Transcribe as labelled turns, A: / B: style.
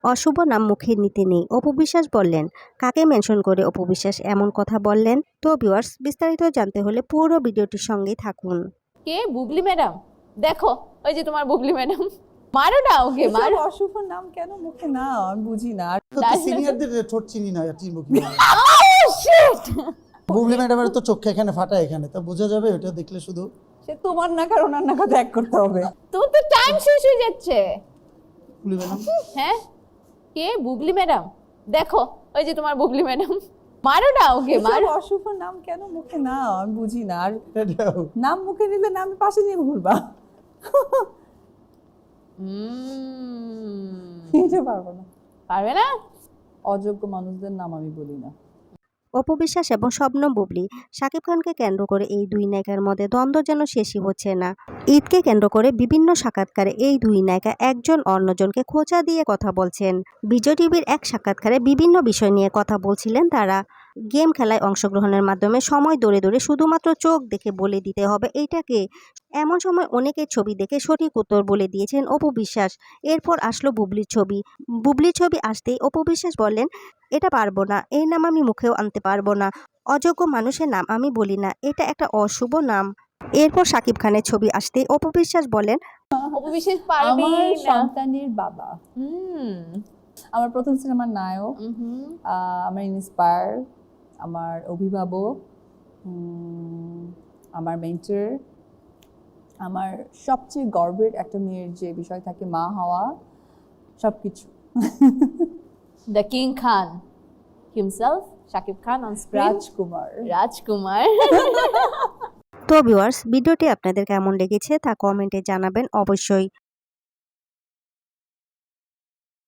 A: অশুভ নাম মুখে নিতে নেই, অপু বিশ্বাস বললেন। কাকে মেনশন করে অপু বিশ্বাস এমন কথা বললেন? তো ভিউয়ার্স, বিস্তারিত জানতে হলে পুরো ভিডিওটির সঙ্গেই থাকুন।
B: কে বুবলি ম্যাডাম? দেখো ওই যে তোমার বুবলি ম্যাডাম, মারো না ওকে,
C: এসব
B: মারো।
C: অশুভ নাম কেন মুখে না আমি বুঝি না। আর
D: সিনিয়রদের ঠোঁট চিনি না চিনবো কি
B: Oh, shit!
D: বুবলি ম্যাডামের তো চোখে এখানে ফাটা, এখানে তা বোঝা যাবে ওটা দেখলে শুধু।
C: সে তোমার নাক আর ওনার নাকা ত্যাগ করতে হবে।
B: তোমার তো টাইম শেষ হয়ে যাচ্ছে।
D: বুবলি ম্যাডাম
B: হ্যাঁ, কে বুবলি ম্যাডাম? দেখো ওই যে তোমার বুবলি ম্যাডাম, মারো না ওকে,
C: এসব
B: মারো।
C: অশুভ নাম কেন মুখে না আমি বুঝি না। আর
D: এটাও
C: নাম মুখে নিলে না আমি পাশে নিয়ে ঘুরবা। এটা পারবো না।
B: পারবে না?
C: অযোগ্য মানুষদের নাম আমি বলি না।
A: অপু বিশ্বাস এবং শবনম বুবলি, শাকিব খানকে কেন্দ্র করে এই দুই নায়িকার মধ্যে দ্বন্দ্ব যেন শেষই হচ্ছে না। ঈদকে কেন্দ্র করে বিভিন্ন সাক্ষাৎকারে এই দুই নায়িকা একজন অন্যজনকে খোঁচা দিয়ে কথা বলছেন। বিজয় টিভির এক সাক্ষাৎকারে বিভিন্ন বিষয় নিয়ে কথা বলছিলেন তারা। গেম খেলায় অংশগ্রহণের মাধ্যমে সময় দৌড়ে দৌড়ে শুধুমাত্র চোখ দেখে বলে দিতে হবে এইটাকে। এমন সময় অনেকের ছবি দেখে সঠিক উত্তর বলে দিয়েছেন অপু বিশ্বাস। এরপর আসলো বুবলির ছবি। বুবলির ছবি আসতেই অপু বিশ্বাস বললেন, এটা পারবো না, এই নাম আমি মুখেও আনতে পারবো না, অযোগ্য মানুষের নাম আমি বলি না, এটা একটা অশুভ নাম। এরপর শাকিব খানের ছবি আসতেই অপু বিশ্বাস বলেন,
B: অপু বিশ্বাস পারবে
C: আমার
B: না।
C: সন্তানের বাবা, আমার প্রথম সিনেমার নায়ক, আমার ইন্সপায়ার, আমার অভিভাবক, আমার মেন্টর, আমার সবচেয়ে গর্বের একটা মেয়ের যে বিষয় থাকে মা হওয়া, সবকিছু।
B: The King Khan himself, Shakib Khan on screen,
C: Rajkumar.
B: Rajkumar.
A: তো ভিউয়ার্স, ভিডিওটি আপনাদের কেমন লেগেছে তা কমেন্টে জানাবেন অবশ্যই।